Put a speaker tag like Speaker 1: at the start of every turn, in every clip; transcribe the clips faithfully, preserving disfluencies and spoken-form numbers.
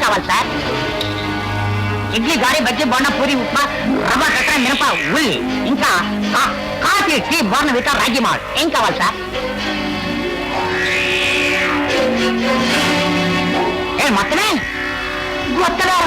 Speaker 1: కావాలి సార్? ఇడ్లీ గారి బజ్జీ బొండ పూరి ఉప్మా రవ్వ కట్ట మినప ఉల్లి ఇంకా కాఫీ టీ బోర్న విట రాగి మాల్ ఏం కావాలి సార్? ఏ మొత్తమే మొత్తమే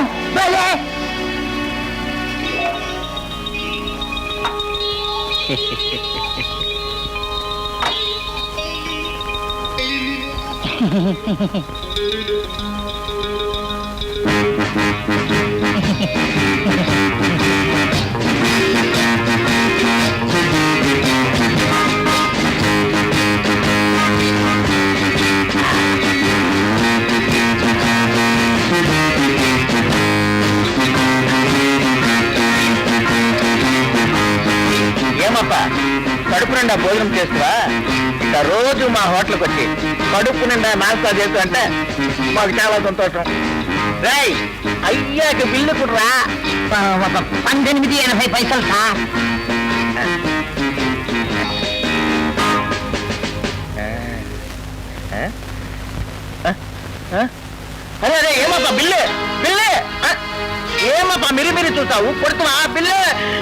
Speaker 2: ఏమప్పా కడుపు నిండా భోజనం చేస్తువా? ఇంకా రోజు మా హోటల్కి వచ్చి కడుపు నిండా నాస్తా చేస్తూ అంటే మాకు చాలా సంతోషం. రాయ్ అయ్యాక బిల్లు కుట్రా.
Speaker 1: పద్దెనిమిది ఎనభై పైసలు సార్.
Speaker 2: అరే అరే ఏమప్పా బిల్లు బిల్లు ఏమప్పా మిరి మిరి చూస్తావు కొడుతున్నా బిల్లు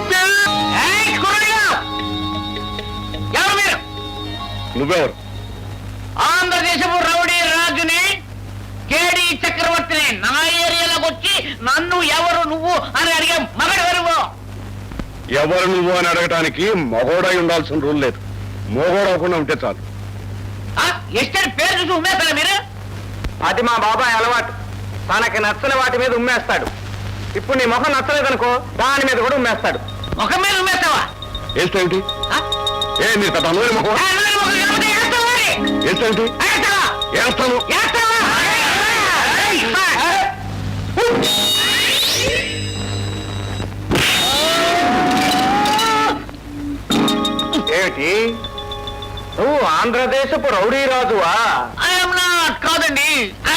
Speaker 2: ఎవరు మీరు?
Speaker 3: నువ్వెవరు?
Speaker 2: ఆంధ్రదేశపు రౌడీ రాజుని కేడి చక్రవర్తిని నా ఏరియాలోకి వచ్చి నన్ను ఎవరు నువ్వు అని అడిగే మగడెవరు?
Speaker 3: ఎవరు నువ్వు అని అడగటానికి మగోడై ఉండాల్సిన రూల్ లేదు. మోగోడవకుండా ఉంటే చాలు.
Speaker 2: ఎస్టేట్ పేరు చూసి ఉమ్మేస్తారా మీరు? అది మా బాబాయ్ అలవాటు. తనకి నచ్చని వాటి మీద ఉమ్మేస్తాడు. ఇప్పుడు నీ ముఖం నచ్చలేదనుకో దాని మీద కూడా ఉమ్మేస్తాడు. ముఖం మీద ఉమ్మేస్తావా?
Speaker 3: ఏమిటి ఏ నీ పెద్ద అందరి ముఖం ఏమిటి? వేస్తాను. ఏమిటి నువ్వు ఆంధ్రదేశపు రౌడీ రాజువా? కాదండి.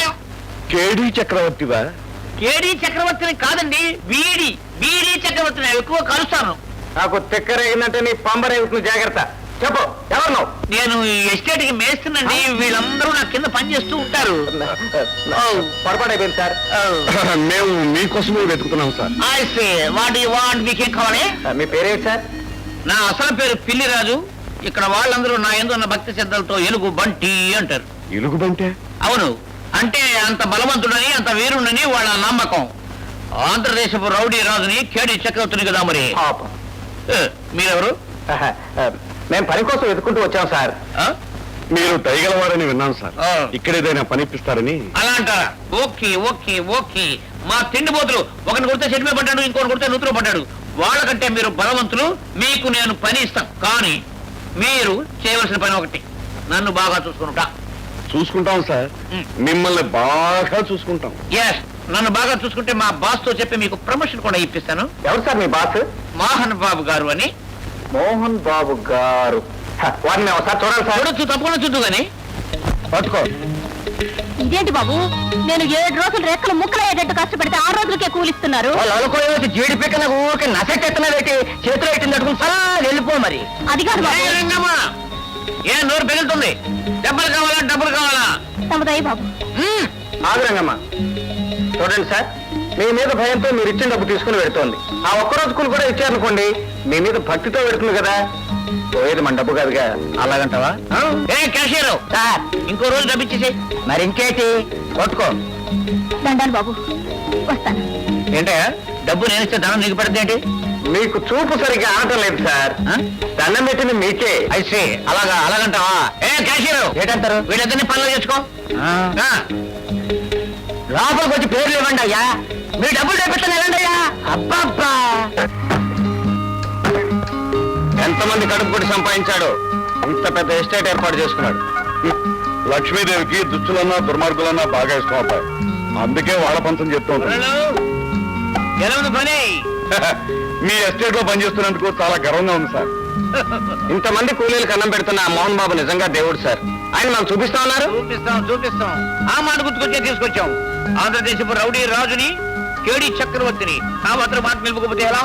Speaker 3: కేడి చక్రవర్తివా?
Speaker 2: కేడి చక్రవర్తిని కాదండి, వీడి వీడి చక్రవర్తిని ఎక్కువ కలుస్తాను. నాకు తిక్కరేగిందంటే నీ పంబరేగుతుంది. జాగ్రత్త. చెప్పు ఎవరు నువ్వు? నేను ఎస్టేట్ కి మేస్తుందండి. వీళ్ళందరూ నా కింద పని చేస్తూ ఉంటారు. పొరపాటైపోయింది సార్.
Speaker 3: మేము మీకోసమే వెతుకుతున్నాం sir.
Speaker 2: I say what you want? మీకేం కావాలి? మీ పేరేంటి సార్? నా అసలు పేరు పిల్లిరాజు. ఇక్కడ వాళ్ళందరూ నా యందు ఉన్న భక్తి శ్రద్ధలతో ఎలుగు బంటి అంటారు.
Speaker 3: ఎలుగు బంటే?
Speaker 2: అవును, అంటే అంత బలవంతుడని అంత వీరుడని వాళ్ళ నమ్మకం. ఆంధ్రదేశపు రౌడీ రాజుని కేడి చక్రవర్తిని కదా మరి. మీరెవరు? మేము పని కోసం వెతుకుంటూ వచ్చాం సార్.
Speaker 3: మీరు దయగలవారని విన్నాను సార్. ఇక్కడేదైనా పనిపిస్తారని.
Speaker 2: అలా అంటారా? Okay okay okay. మా తిండి పోతులు ఒకరిని కొడితే చెట్టు మీద పడ్డాడు, ఇంకొకటి కొడితే నూతులో పడ్డాడు. వాళ్ళకంటే మీరు బలవంతులు, మీకు నేను పని ఇస్తాను. కానీ మీరు చేయవలసిన పని ఒకటి, నన్ను బాగా చూసుకుంటా.
Speaker 3: చూసుకుంటాం సార్, మిమ్మల్ని బాగా చూసుకుంటాం.
Speaker 2: ఎస్, నన్ను బాగా చూసుకుంటే మా బాస్ తో చెప్పి మీకు ప్రమోషన్ కూడా ఇప్పిస్తాను. ఎవరు సార్ మీ బాస్? మోహన్ బాబు గారు అని. మోహన్ బాబు గారు వారిని ఒకసారి చూడాలి సార్. చూడొచ్చు, తప్పకుండా చూద్దు గాని. పట్టుకో.
Speaker 4: ఇదేంటి బాబు, నేను ఏడు రోజులు రెక్కలు ముక్కలయ్యేటట్టు కష్టపడితే ఆరు రోజులకే కూలిస్తున్నారు.
Speaker 2: వాళ్ళు అనుకోవచ్చు జీడి పిక్కన ఊరికే నసెట్టెత్తన పెట్టి చేతిలో పెట్టింది అడుగుని సలా వెళ్ళిపో మరి.
Speaker 4: అది కాదు
Speaker 2: బాబు. ఏ నోరు పెగులుతుంది? డబ్బులు కావాలా డబ్బులు కావాలా?
Speaker 4: తమదయ్య బాబు.
Speaker 2: ఆగురంగమ్మా. చూడండి సార్, మీ మీద భయంతో మీరు ఇచ్చిన డబ్బు తీసుకుని పెడుతోంది. ఆ ఒక్కరోజు కూలి కూడా ఇచ్చారనుకోండి, మీ మీద భక్తితో పెడుతుంది కదా. పోయేది మన డబ్బు కాదుగా. అలాగంటావా? ఏ క్యాషియర్ సార్, ఇంకో రోజు డబ్బు ఇచ్చేసి. మరి ఇంకేంటి? కొట్టుకో.
Speaker 4: దండాలు బాబు, వస్తాను.
Speaker 2: ఏంటే డబ్బు నేను ఇస్తే ధనం నీకు పడుతుంది ఏంటి? మీకు చూపు సరిగ్గా ఆడటం లేదు సార్. దండం పెట్టింది మీకే. అయితే అలాగా అలాగంటావా? ఏ క్యాషియర్ ఏంటంటారు? వీళ్ళిద్దరిని పనులు చేసుకో. లోపలికి వచ్చి పేర్లు ఇవ్వండి అయ్యా. మీరు డబ్బులు తెప్పిస్తాను వెళ్ళండి అయ్యా. అబ్బబ్బా, ఎంతమంది కడుపు కొట్టి సంపాదించాడు, ఇంత పెద్ద ఎస్టేట్ ఏర్పాటు చేసుకున్నాడు.
Speaker 3: లక్ష్మీదేవికి దుచ్చులన్నా దుర్మార్గులన్నా బాగా ఇష్టం అబ్బాయి. అందుకే వాళ్ళ పంతం చెప్తూ ఉంటాను.
Speaker 2: ఎలా ఉంది పని?
Speaker 3: మీ ఎస్టేట్ లో పనిచేస్తున్నందుకు చాలా గర్వంగా ఉంది సార్.
Speaker 2: ఇంతమంది కూలీలకు అన్నం పెడుతున్న మోహన్ బాబు నిజంగా దేవుడు సార్. ఆయన మనం చూపిస్తా ఉన్నారు. చూపిస్తాం చూపిస్తాం. ఆ మాట గుర్తుకొచ్చే తీసుకొచ్చాం. ఆంధ్రదేశపు రౌడీ రాజుని, కేడి చక్రవర్తిని. నా మాత్రం మాట నిలుపుకోకపోతే ఎలా?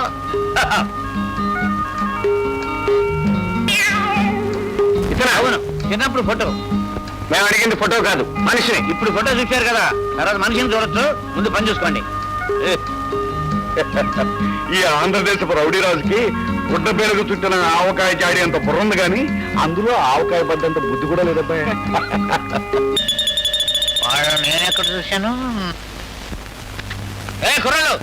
Speaker 2: ఇతను అవును, చిన్నప్పుడు ఫోటో. మేము అడిగింది ఫోటో కాదు మనిషిని.
Speaker 1: ఇప్పుడు ఫోటో చూశారు కదా, తర్వాత మనిషిని చూడొచ్చు. ముందు పని చూసుకోండి.
Speaker 3: ఈ ఆంధ్రదేశపు రౌడీ రాజుకి గుడ్డ పేరుకు చుట్టిన ఆవకాయ జాడి అంత బుర్ర ఉంది కానీ అందులో ఆవకాయ బద్దంత బుద్ధి కూడా లేదబ్బాయి.
Speaker 1: వాడు నేను ఎక్కడ చూశాను? ఏ కుర్రాళ్ళు,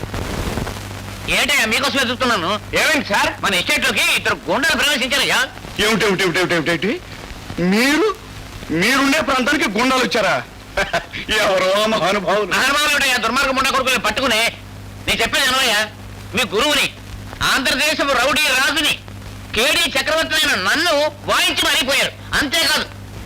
Speaker 1: ఏంటయ్యా మీకోసమే చూస్తున్నాను.
Speaker 2: ఏమైంది సార్?
Speaker 1: మన ఎస్టేట్ లోకి ఇద్దరు గుండాలు ప్రవేశించారయ్యా.
Speaker 3: ఏమిటి ఏమిటి ఏమిటి ఏమిటి ఏమిటి మీరు మీరుండే ప్రాంతానికి గుండాలు వచ్చారా? ఎవరో మహానుభావులు.
Speaker 1: మహానుభావులుంటాయా దుర్మార్గం ఉండ కొడుకుని పట్టుకుని. నేను చెప్పేది అనవయ్యా, మీ గురువుని, ఆంధ్రదేశపు రౌడీ రాజుని, కేడీ చక్రవర్తి అయిన నన్ను వాయించి మరిపోయారు. అంతేకాదు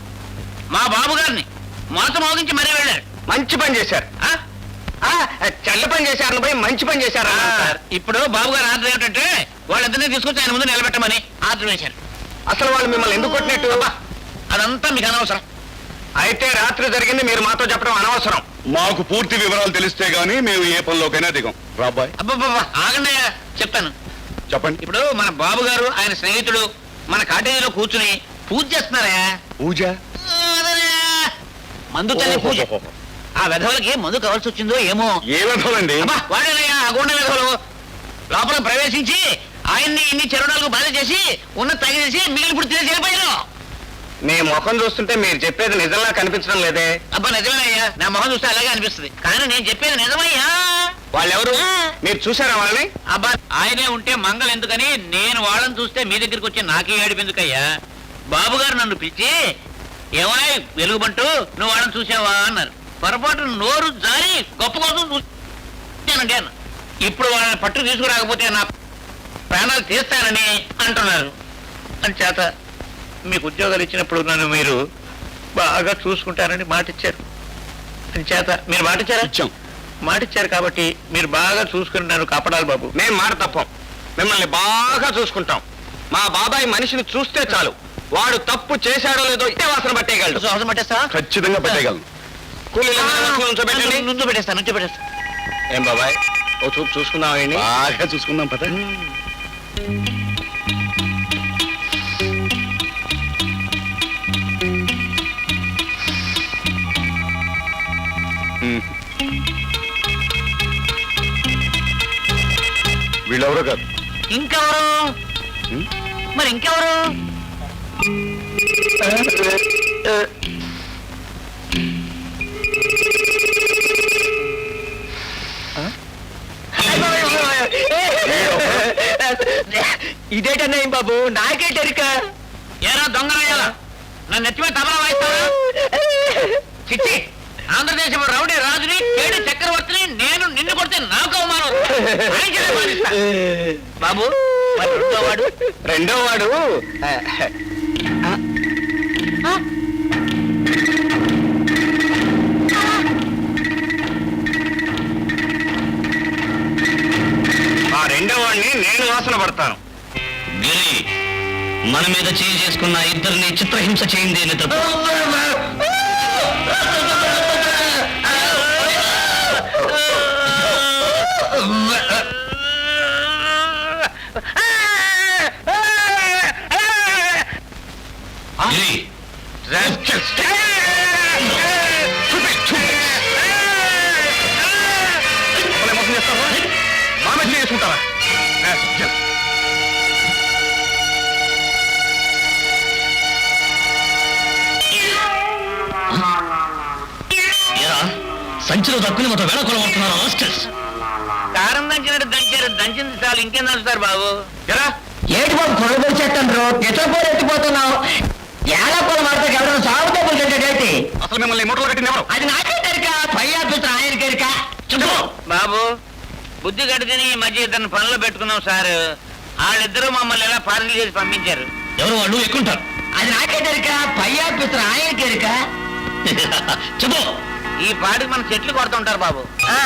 Speaker 1: మా బాబు గారిని మాత మోగించి మరీ వెళ్ళారు.
Speaker 2: మంచి పని చేశారు.
Speaker 1: ఆ?
Speaker 2: ఆ, చెడ్డ పని చేశారని పోయి మంచి పని చేశారు
Speaker 1: ఆ,
Speaker 2: అన్నారు
Speaker 1: సార్,
Speaker 2: సార్.
Speaker 1: ఇప్పుడు బాబు గారు ఆర్డర్ ఏమిటంటే వాళ్ళిద్దరినీ తీసుకొచ్చి ఆయన ముందు నిలబెట్టమని ఆర్డర్ వేశారు.
Speaker 2: అసలు వాళ్ళు మిమ్మల్ని ఎందుకు కొట్టినట్టు?
Speaker 1: అబ్బా, అదంతా మీకు అనవసరం.
Speaker 2: అయితే రాత్రి జరిగింది మీరు మాతో చెప్పడం అనవసరం.
Speaker 3: మాకు పూర్తి వివరాలు తెలిస్తే గానీ మేము ఏ పనిలోకైనా దిగం. రాబాయ్
Speaker 1: అబ్బబ్బబ్బా, ఆగండి అయ్యా, చెప్తాను.
Speaker 3: చెప్పండి.
Speaker 1: ఇప్పుడు మన బాబు గారు ఆయన స్నేహితుడు మన కాటేజీలో కూర్చుని పూజ చేస్తున్నారా?
Speaker 3: పూజ
Speaker 1: అదనే, మందు తల్లి పూజ.
Speaker 3: ఓహోహోహో.
Speaker 1: ఆ విధవులకి మందు కావాల్సి వచ్చిందో ఏమో.
Speaker 3: ఏ విధండి?
Speaker 1: అబ్బా, వాడేనయ్యా ఆ గుండె విధవులు. లోపల ప్రవేశించి ఆయన్ని ఇన్ని చెరువులకు బాధ చేసి ఉన్న తగిలేసి మిగిలిన ఇప్పుడు తిరిగి వెళ్ళిపోయారు.
Speaker 2: మీ ముఖం చూస్తుంటే మీరు చెప్పేది నిజంలా కనిపించడం లేదే.
Speaker 1: అబ్బా నిజమేనయ్యా, నా మొహం చూస్తే అలాగే అనిపిస్తుంది. కానీ నేను చెప్పేది నిజమయ్యా.
Speaker 2: వాళ్ళెవరు? మీరు చూసారా వాళ్ళని?
Speaker 1: అబ్బా, ఆయనే ఉంటే మంగళ ఎందుకని నేను వాళ్ళని చూస్తే మీ దగ్గరికి వచ్చి నాకే ఏడుపు ఎందుకయ్యా. బాబు గారు నన్ను పిలిచి ఏమై వెలుగుబంటూ నువ్వు వాళ్ళని చూసావా అన్నారు. పొరపాటు నోరు జారి గొప్ప కోసం చూసానండి అన్న. ఇప్పుడు వాళ్ళని పట్టు తీసుకురాకపోతే నా ప్రాణాలు తీస్తానని అంటున్నారు. అని చేత మీకు ఉద్యోగాలు ఇచ్చినప్పుడు నన్ను మీరు బాగా చూసుకుంటారని మాటిచ్చారు. అని చేత మీరు మాటిచ్చారా?
Speaker 3: ఇచ్చాం.
Speaker 1: మాటిచ్చారు కాబట్టి మీరు బాగా చూసుకుని నన్ను కాపాడాలి బాబు.
Speaker 2: మేము మాట తప్పం. మిమ్మల్ని బాగా చూసుకుంటాం. మా బాబాయ్ మనిషిని చూస్తే చాలు, వాడు తప్పు చేశాడో లేదో ఇట్టే వాసన పట్టేయగలడు.
Speaker 1: అవసరం పట్టేస్తా?
Speaker 3: ఖచ్చితంగా పెట్టగలను.
Speaker 2: కూలీలు ఉంచబెట్టండి.
Speaker 1: నుంచో పెట్టేస్తా, నుంచో పెట్టేస్తా.
Speaker 2: ఏం బాబాయ్, ఓ చూపు చూసుకుందాం. ఆయన్ని
Speaker 3: బాగా చూసుకుందాం పద. ఉమ్. వీళ్ళెవరో కాదు.
Speaker 1: ఇంకెవరు?
Speaker 3: ఉమ్.
Speaker 1: మరి ఇంకెవరు?
Speaker 2: ఇదేటన్నా ఏం బాబు, నాకే టెరిక.
Speaker 1: ఏరా దొంగలయ్యాలా, నన్ను నెత్తిమే తబలా వాయిస్తావా? చిచ్చి, ఆంధ్రదేశం రౌడీ రాజుని, కేడి చక్రవర్తిని నేను నిన్ను కొడితే నాకు అవమానం. ఆయనకే బాధిస్తా. బాబు, మరి రెండో వాడు?
Speaker 2: రెండో వాడు ఆ రెండో వాడిని నేను వాసన పడతాను.
Speaker 1: గిరి, మన మీద చేయి చేసుకున్న ఇద్దరిని చిత్రహింస చేయింది తప్పు. గిరి,
Speaker 2: మోసం చేస్తావా? మామ చేసుకుంటారా?
Speaker 1: సంచిలో దక్కుని మొత్తం వేళ కొలవడుతున్నారు హాస్టల్స్. కారం దంచినట్టు దంచారు, దంచింది చాలు, ఇంకేం దంచుతారు బాబు.
Speaker 2: ఎలా
Speaker 1: ఏటి బాబు కొనుగోలు చేస్తాను, పిచ్చపోరు ఎత్తిపోతున్నావు. ఎలా కొల మాడితే ఎవరైనా సాగు డబ్బులు తింటాడేంటి?
Speaker 2: అసలు మిమ్మల్ని మూటలు కట్టింది ఎవరు?
Speaker 1: అది నాకే తెరిక, పై ఆఫీసర్ ఆయన తెరిక. చెప్పు బాబు. బుద్ధి గడిదని ఈ మధ్య ఇద్దరిని పనులు పెట్టుకున్నాం సార్. వాళ్ళిద్దరూ మమ్మల్ని ఎలా పార్సల్ చేసి పంపించారు. ఎవరు వాళ్ళు ఎక్కుంటారు? అది నాకే తెరిక, పై ఆఫీసర్ ఆయన తెరిక. చెప్పు. ఈ పాటికి మన చెట్లు కొడుతుంటారు బాబు.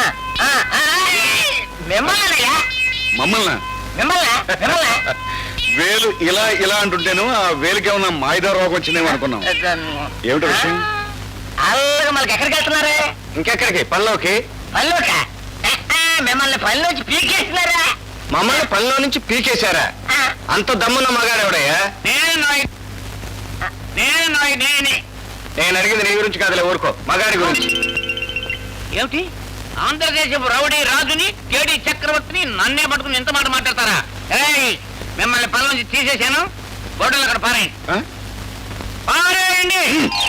Speaker 1: మిమ్మల్ని
Speaker 3: మమ్మల్ని
Speaker 1: మిమ్మల్ని మిమ్మల్ని
Speaker 3: వేలు ఇలా ఇలా అంటుంటేను ఆ వేలుకి ఏమన్నా మాయిదా రోగం వచ్చిందేమో అనుకున్నాం. ఏమిటి విషయం?
Speaker 1: అలాగే మనకి ఎక్కడికి వెళ్తున్నారే?
Speaker 2: ఇంకెక్కడికి? పనిలోకి.
Speaker 1: పనిలోక? మిమ్మల్ని పనిలోంచి పీకేస్తున్నారా?
Speaker 2: మమ్మల్ని పనిలో నుంచి పీకేశారా? అంత దమ్మున్న మగాడెవడయ్యా?
Speaker 1: నేను నాయ్ నేను నాయ్ నేనే
Speaker 2: నేను అడిగింది నీ గురించి కాదులే, ఊరుకో, మగాడి గురించి.
Speaker 1: ఏమిటి ఆంధ్రదేశపు రౌడీ రాజుని కేడి చక్రవర్తిని నన్నే పట్టుకుని ఎంత మాట మాట్లాడతారా? ఏయ్, మిమ్మల్ని పనుల నుంచి తీసేశాను, గొడ్డలు అక్కడ పారేయండి.
Speaker 3: ఆ?
Speaker 1: పారేయండి.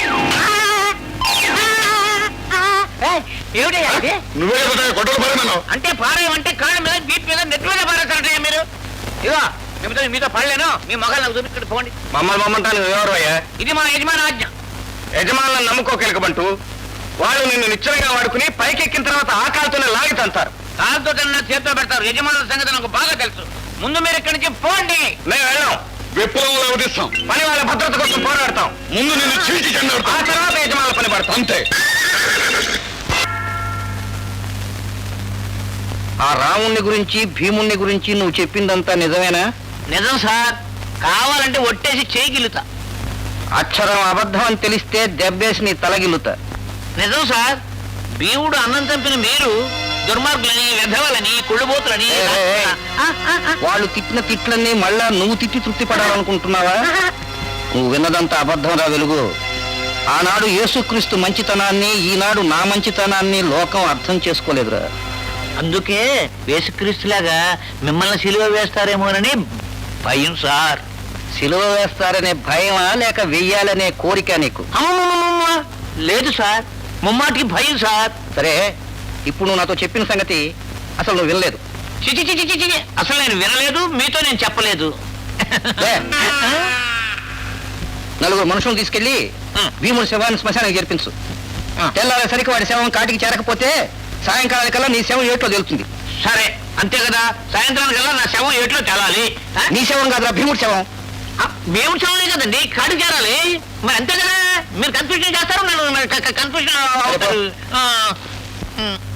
Speaker 1: ఏయ్, ఏమిటయ్యా ఇది?
Speaker 3: నువ్వే కదా గొడవలు పడమన్నావు.
Speaker 1: అంటే పారేయమంటే కాళ్ళ మీద బీట్ మీద నెట్ మీద పారేస్తారంటయ్యా మీరు. ఇదిగో మీతో మీతో పడలేను, మీ మొగాలు నాకు చూపించుకుంటూ పోండి.
Speaker 2: మమ్మల్ని మమ్మంటాను ఎవరు అయ్యా?
Speaker 1: ఇది మా యజమాని ఆజ్ఞ.
Speaker 2: యజమానులను నమ్ముకోకెలకబంటూ వాళ్ళు నిన్ను నిశ్చయంగా వాడుకుని పైకెక్కిన తర్వాత ఆ కాలుతోనే లాగి తంతారు.
Speaker 1: కాలుతో తిన్న చేతితో పెడతారు. యజమానుల సంగతి నాకు బాగా తెలుసు. ముందు మీరు ఇక్కడి నుంచి పోండి.
Speaker 2: మేము వెళ్ళాం,
Speaker 3: విప్లవంలో అవధిస్తాం.
Speaker 2: పని వాళ్ళ భద్రత కోసం పోరాడతాం.
Speaker 3: ముందు నిన్ను చీల్చి
Speaker 2: ఆ
Speaker 3: చెండాడుతాం.
Speaker 2: తర్వాత యజమానుల పని పడతాం.
Speaker 3: అంతే.
Speaker 2: ఆ రాముణ్ణి గురించి భీముణ్ణి గురించి నువ్వు చెప్పిందంతా నిజమేనా?
Speaker 1: నిజం సార్, కావాలంటే ఒట్టేసి చేయగిలుతా.
Speaker 2: అక్షరం అబద్ధం అని తెలిస్తే దెబ్బేసి నీ తలగిల్లుతా.
Speaker 1: నిజం సార్, భీముడు అన్నం చంపిన మీరు దుర్మార్గులని, వెధవలని, కుళ్ళుబోతులని.
Speaker 2: ఏ, ఏ, ఏ.
Speaker 1: ఆ, ఆ, ఆ.
Speaker 2: వాళ్ళు తిట్టిన తిట్లన్నీ మళ్ళా నువ్వు తిట్టి తృప్తి పడాలనుకుంటున్నావా? నువ్వు విన్నదంతా అబద్ధం రా వెలుగు. ఆనాడు యేసుక్రీస్తు మంచితనాన్ని, ఈనాడు నా మంచితనాన్ని లోకం అర్థం చేసుకోలేదురా.
Speaker 1: అందుకే యేసుక్రీస్తులాగా మిమ్మల్ని సిలువ వేస్తారేమోనని భయం సార్.
Speaker 2: సిలువ వేస్తారనే భయమా లేక వెయ్యాలనే కోరిక నీకు?
Speaker 1: అమ్మమ్మమ్మమ్మ, లేదు సార్, ముమ్మాటికి భయం సార్.
Speaker 2: సరే, ఇప్పుడు నువ్వు నాతో చెప్పిన సంగతి అసలు నువ్వు వినలేదు.
Speaker 1: చిచి చిచి చిచి చి. అసలు నేను వినలేదు, మీతో నేను చెప్పలేదు.
Speaker 2: లే. నలుగురు మనుషులను తీసుకెళ్లి
Speaker 1: ఆ.
Speaker 2: భీముడి శవాన్ని శ్మశానానికి చేర్పించు.
Speaker 1: ఆ.
Speaker 2: తెల్లారేసరికి వాడి శవం కాటికి చేరకపోతే సాయంకాలానికల్లా నీ శవం ఏట్లో తెలుస్తుంది.
Speaker 1: సరే, అంతే కదా. సాయంత్రానికల్లా నా శవం ఏట్లో తెలాలి. ఆ?
Speaker 2: నీ శవం కాదురా, భీముడి శవం.
Speaker 1: ఆ, మేము శవమే కదండి, కాడు చేరాలి. మరి అంతే కదా. మీరు కన్ఫ్యూజన్ చేస్తారు, నన్ను కన్ఫ్యూజన్ అవుతారు. ఆ, ఉమ్.